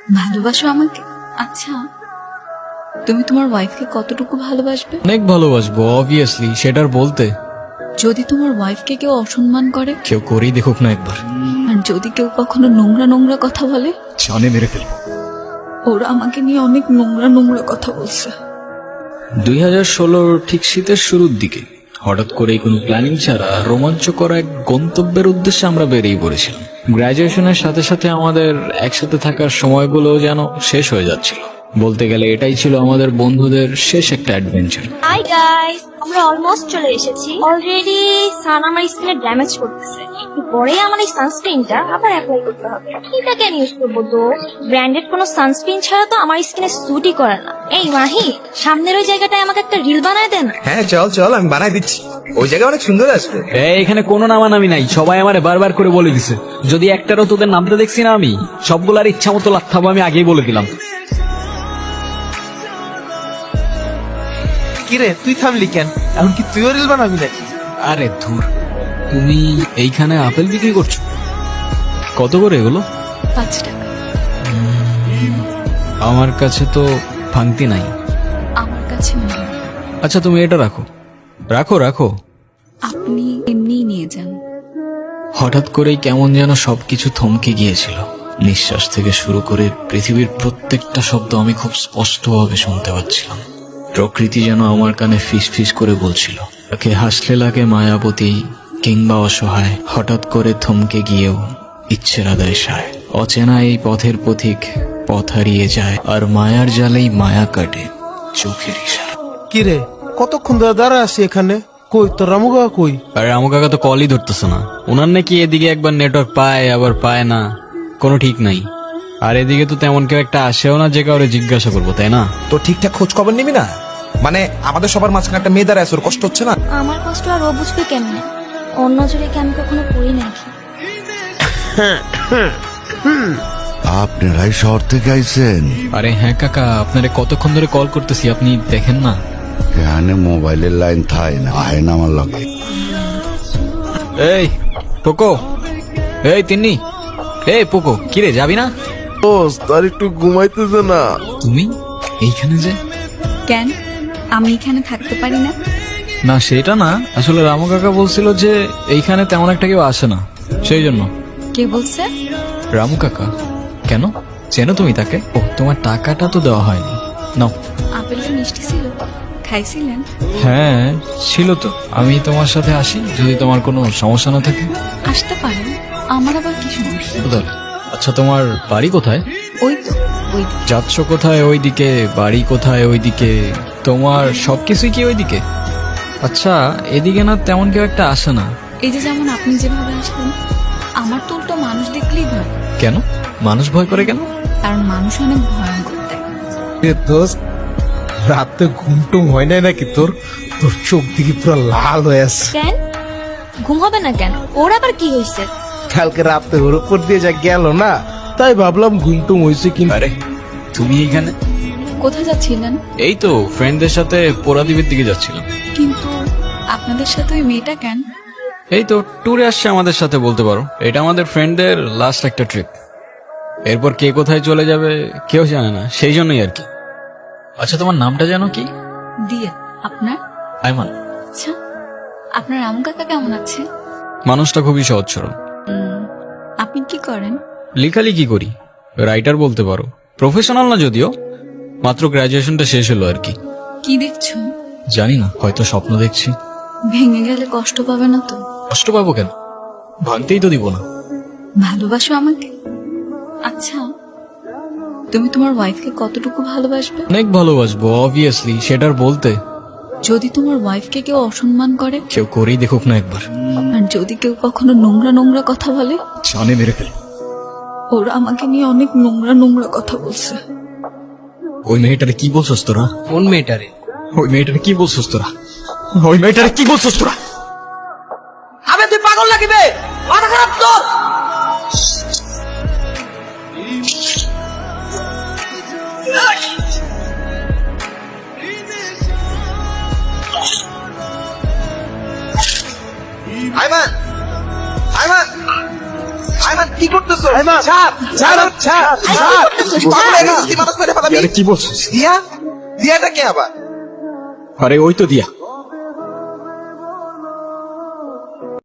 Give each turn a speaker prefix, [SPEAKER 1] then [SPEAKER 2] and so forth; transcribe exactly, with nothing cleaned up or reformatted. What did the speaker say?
[SPEAKER 1] ভালোবাসো আমাকে? আচ্ছা, তুমি তোমার ওয়াইফকে কতটুকু ভালোবাসবে?
[SPEAKER 2] অনেক ভালোবাসবো, অবভিয়াসলি। সেটার বলতে
[SPEAKER 1] যদি তোমার ওয়াইফকে কেউ অসম্মান করে,
[SPEAKER 2] কেউ করেই দেখুক না একবার,
[SPEAKER 1] আর যদি কেউ কখনো নোংরা নোংরা কথা বলে,
[SPEAKER 2] জানে মেরে ফেলবো।
[SPEAKER 1] ওরা আমাকে নিয়ে অনেক নোংরা নোংরা কথা বলছে।
[SPEAKER 2] দুই হাজার ষোলোর ঠিক শীতের শুরুর দিকে হঠাৎ করেই কোনো প্ল্যানিং ছাড়া রোমাঞ্চকর এক গন্তব্যের উদ্দেশ্যে আমরা বেরিয়ে পড়েছিলাম। গ্রাজুয়েশনের সাথে সাথে আমাদের একসাথে থাকার সময়গুলো যেন শেষ হয়ে যাচ্ছিল। বলতে গেলে এটাই ছিল আমাদের বন্ধুদের শেষ একটা অ্যাডভেঞ্চার।
[SPEAKER 3] হাই গাইস, আমরা অলমোস্ট চলে এসেছি। অলরেডি সান আমার স্কিনে ড্যামেজ করতেছে, একটু পরেই আমার এই সানস্ক্রিনটা আবার অ্যাপ্লাই করতে হবে। এটা কেন ইউজ করবো দোস্ত? ব্র্যান্ডেড কোনো সানস্ক্রিন ছাড়া তো আমার স্কিনে স্যুটই করে না। এই মাহি, সামনের ওই জায়গাটায় আমাকে একটা রিল বানায় দেন।
[SPEAKER 4] হ্যাঁ চল চল, আমি বানাই দিচ্ছি। ওই জায়গা অনেক সুন্দর আসবে।
[SPEAKER 2] এই এখানে কোনো নামানামি নাই, সবাই আমারে বারবার করে বলে দিছে। যদি একটারও তোদের নামতে দেখছি না আমি, সবগুলার ইচ্ছা মতো লাথাবো, আমি আগেই বলে দিলাম।
[SPEAKER 4] কিরে তুই থামলি কেন? এখন কি তুইও রিল বানাবি নাকি?
[SPEAKER 2] আরে ধুর, তুমি এইখানে আপেল বিক্রি করছো? কত করে এগুলো?
[SPEAKER 1] পাঁচ টাকা।
[SPEAKER 2] আমার কাছে তো ভাঙতি নাই।
[SPEAKER 1] আমার কাছে নেই।
[SPEAKER 2] আচ্ছা তুমি এটা রাখো রাখো রাখো
[SPEAKER 1] আপনি এমনিই নিয়ে যান।
[SPEAKER 2] হঠাৎ করেই কেমন যেন সবকিছু থমকে গিয়েছিল। নিঃশ্বাস থেকে শুরু করে পৃথিবীর প্রত্যেকটা শব্দ আমি খুব স্পষ্টভাবে শুনতে পাচ্ছিলাম। প্রকৃতি যেন আমার কানে ফিস ফিস করে বলছিল, তাকে হাসলে লাগে মায়াবতী কিংবা অসহায়, হঠাৎ করে থমকে গিয়েও ইচ্ছের আদায় সায়। অচেনা এই পথের পথিক পথ হারিয়ে যায়, আর মায়ার জালেই মায়া কাটে চোখের ইশারা।
[SPEAKER 5] কিরে কতক্ষণ ধরে দাঁড়া আছি এখানে? কই তোর রামু কাকা কই?
[SPEAKER 2] আরে আমু কাকা তো কলই ধরতেছে না। ওনার নাকি এদিকে একবার নেটওয়ার্ক পায় আবার পায় না, কোনো ঠিক নাই। আর এদিকে তো তেমন কেউ একটা আসেও না যে কাউরে জিজ্ঞাসা করবো, তাই না?
[SPEAKER 4] তো ঠিকঠাক খোঁজ খবর নিবি না? মানে আমাদের সবার মাঝখানে একটা মেয়ে দাঁড়ায় আছে, ওর কষ্ট হচ্ছে না?
[SPEAKER 3] আমার কষ্ট আর ও বুঝবে কেমনে? অন্য জোরে কি আমি কখনো করি নাকি?
[SPEAKER 6] আপনারাই শহর থেকে আইছেন?
[SPEAKER 2] আরে হ্যাঁ কাকা, আপনারে কতক্ষণ ধরে কল করতেছি, আপনি দেখেন না?
[SPEAKER 6] এখানে মোবাইলের লাইন থাই না, আয় না আমার লাগে।
[SPEAKER 2] এই পোকো, এই তিন্নি, এই পোকো, কিরে যাবি না?
[SPEAKER 5] তার একটু ঘুমাইতেছে না।
[SPEAKER 2] তুমি এইখানে যে?
[SPEAKER 1] কেন, আমি এখানে থাকতে পারি না?
[SPEAKER 2] না সেটা না, আসলে রামু কাকা বলছিল যে এইখানে তেমন একটা কেউ আসে না, সেই জন্য।
[SPEAKER 1] কে বলছে?
[SPEAKER 2] রামু কাকা। কেন, চেনো তুমি তাকে? ও, তোমার টাকাটা তো দেওয়া হয়নি, নাও।
[SPEAKER 1] আপেলটা মিষ্টি ছিল, খাইছিলেন?
[SPEAKER 2] হ্যাঁ ছিল তো। আমি তোমার সাথে আসি যদি তোমার কোনো সমস্যা না থাকে।
[SPEAKER 1] আসতে পারেন, আমার আবার কি সমস্যা?
[SPEAKER 2] কোথায়? আচ্ছা তোমার বাড়ি কোথায়?
[SPEAKER 1] ওই তো ওই দিকে।
[SPEAKER 2] যাচ্ছ কোথায়? ওইদিকে। বাড়ি কোথায়? ওইদিকে। তোমার সবকিছুই কি ওইদিকে? আচ্ছা এদিকে না তেমন কেউ একটা আসে না।
[SPEAKER 1] এই যে যেমন আপনি যেভাবে আসলেন, আমার তো উল্টো মানুষ দেখলেই ভয়।
[SPEAKER 2] কেন মানুষ ভয় করে কেন?
[SPEAKER 1] কারণ মানুষ অনেক ভয়ঙ্কর দেয়।
[SPEAKER 5] এ দোস্ত, রাতে ঘুম টুম হয় নাই নাকি তোর? তোর চোখ দিকে পুরো লাল হয়ে আছে।
[SPEAKER 3] কেন ঘুম হবে না কেন? ওর আবার কি হয়েছে?
[SPEAKER 5] কালকে রাতে ওর উপর দিয়ে যা গেল না, তাই ভাবলাম ঘুম টুম হয়েছে কিন্তু।
[SPEAKER 2] আরে তুমি এইখানে?
[SPEAKER 1] কোথায় যাচ্ছিলেন?
[SPEAKER 2] এই তো ফ্রেন্ডদের সাথে পোড়াদ্বীপের দিকে যাচ্ছিলাম।
[SPEAKER 1] কিন্তু আপনাদের সাথে ওই মেয়েটা কেন?
[SPEAKER 2] এই তো ট্যুরে আসছে আমাদের সাথে, বলতে পারো এটা আমাদের ফ্রেন্ডদের লাস্ট একটা ট্রিপ। এরপর কে কোথায় চলে যাবে কেউ জানে না, সেই জন্যই আর কি। আচ্ছা তোমার নামটা জানো কি?
[SPEAKER 1] দিয়া। আপনার?
[SPEAKER 2] আইমান।
[SPEAKER 1] আচ্ছা, আপনার রামু কাকা কেমন আছে?
[SPEAKER 2] মানুষটা খুবই সহজ সরল।
[SPEAKER 1] উম, আপনি কি করেন?
[SPEAKER 2] লেখালেখি করি, রাইটার বলতে পারো। প্রফেশনাল না যদিও, মাত্র গ্রাজুয়েশনটা শেষ হলো আর কি।
[SPEAKER 1] কি দেখছো?
[SPEAKER 2] জানি না, হয়তো স্বপ্ন দেখছি।
[SPEAKER 1] ভেঙে গেলে কষ্ট পাবে না তো?
[SPEAKER 2] কষ্ট পাবো কেন, ভাঙতেই তো দিব না।
[SPEAKER 1] ভালোবাসো আমাকে? আচ্ছা, তুমি তোমার ওয়াইফকে কতটুকু ভালোবাসবে?
[SPEAKER 2] অনেক ভালোবাসবো, অবভিয়াসলি। সেটার বলতে
[SPEAKER 1] যদি তোমার ওয়াইফকে কেউ অসম্মান করে,
[SPEAKER 2] কেউ করেই দেখুক না একবার,
[SPEAKER 1] আর যদি কেউ কখনো নোংরা নোংরা কথা বলে,
[SPEAKER 2] জানে মেরে ফেল।
[SPEAKER 1] ওরা আমাকে নিয়ে অনেক নোংরা নোংরা কথা বলছে।
[SPEAKER 2] ওই মেয়েটারে কি বলছস তোরা?
[SPEAKER 4] কোন মেয়েটারে?
[SPEAKER 2] ওই মেয়েটারে কি বলছস তোরা? ওই মেয়েটারে কি বলছস তোরা?
[SPEAKER 4] আবে তুই পাগল লাগিবে, মাথা খারাপ তোর? আইমান, আইমান, আইমান কি কি করতেছো ছাড় ছাড় ছাড় ছাড় পাগল হয়ে গেছিস তুই, মানুষ মেরে ফেলাবি।
[SPEAKER 2] আরে কি বলছিস?
[SPEAKER 4] দিয়া দিয়াটা কে আবার?
[SPEAKER 2] আরে ওই তো দিয়া।